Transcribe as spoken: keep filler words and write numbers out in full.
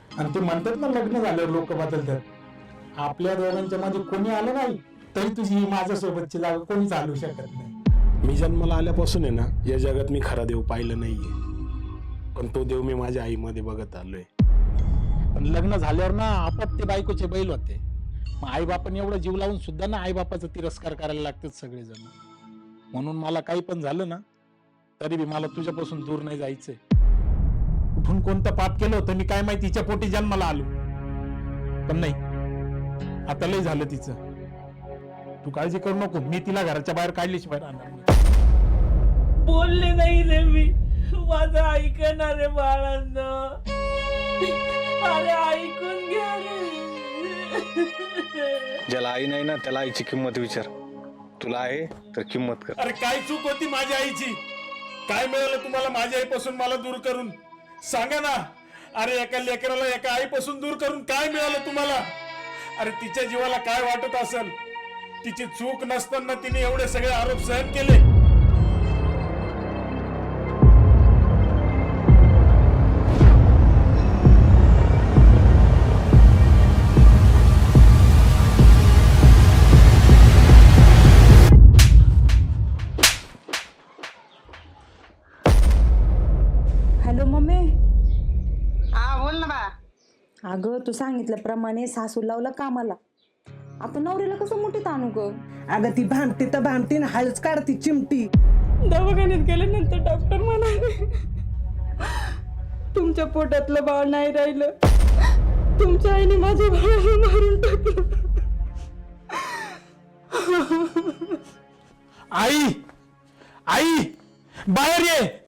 आणि ते म्हणतात ना लग्न झाल्यावर लोक बदलतात. आपल्या दोघांच्या मध्ये कोणी आलं नाही तरी तुझी ही माझ्यासोबतची जागा कोणी चालू शकत नाही. मी जन्माला आल्यापासून आहे ना या जगात मी खरा देव पाहिलं नाहीये, पण तो देव मी माझ्या आईमध्ये बघत आलोय. पण लग्न झाल्यावर ना आपाप ते बायकोचे बैल होते. मग आई बापाने एवढं जीव लावून सुद्धा ना आई बापाचा तिरस्कार करायला लागतात सगळेजण. म्हणून मला काही पण झालं ना तरी बी मला तुझ्यापासून दूर नाही जायचंय. कुठून कोणतं पाप केलं होतं मी काय माहिती, तिच्या पोटी जन्माला आलो. पण नाही, आता लय झालं तिचं. तू काळजी करू नको, मी तिला घराच्या बाहेर काढल्याशिवाय राहणार नाही. बोलले नाही रे मी, माझं ऐकणार रे बाळांना. अरे ऐकून घ्या रे. ज्याला आई नाही ना त्याला आईची किंमत विचार. तुला आहे तर किंमत कर. अरे काय चूक होती माझ्या आईची? काय मिळालं तुम्हाला माझ्या आईपासून मला दूर करून? सांगा ना. अरे एका लेकराला एका आईपासून दूर करून काय मिळालं तुम्हाला? अरे तिच्या जीवाला काय वाटत असेल? तिची चूक नसताना तिने एवढे सगळे आरोप सहन केले. Hello mummy. हा बोल ना बा. अगं तू सांगितल्याप्रमाणे सासू लावलं कामाला. आता नवऱ्याला कसं मोठीत आणू ग? अगं ती भामटी तर भामटी ना हळूच काढती चिमटी. दवाखान्यात गेल्यानंतर डॉक्टर म्हणाले तुमच्या पोटातलं बाळ नाही राहिलं, तुमच्या आईने माझ्या बाळाला मारून टाकलं. आई आई बाहेर ये.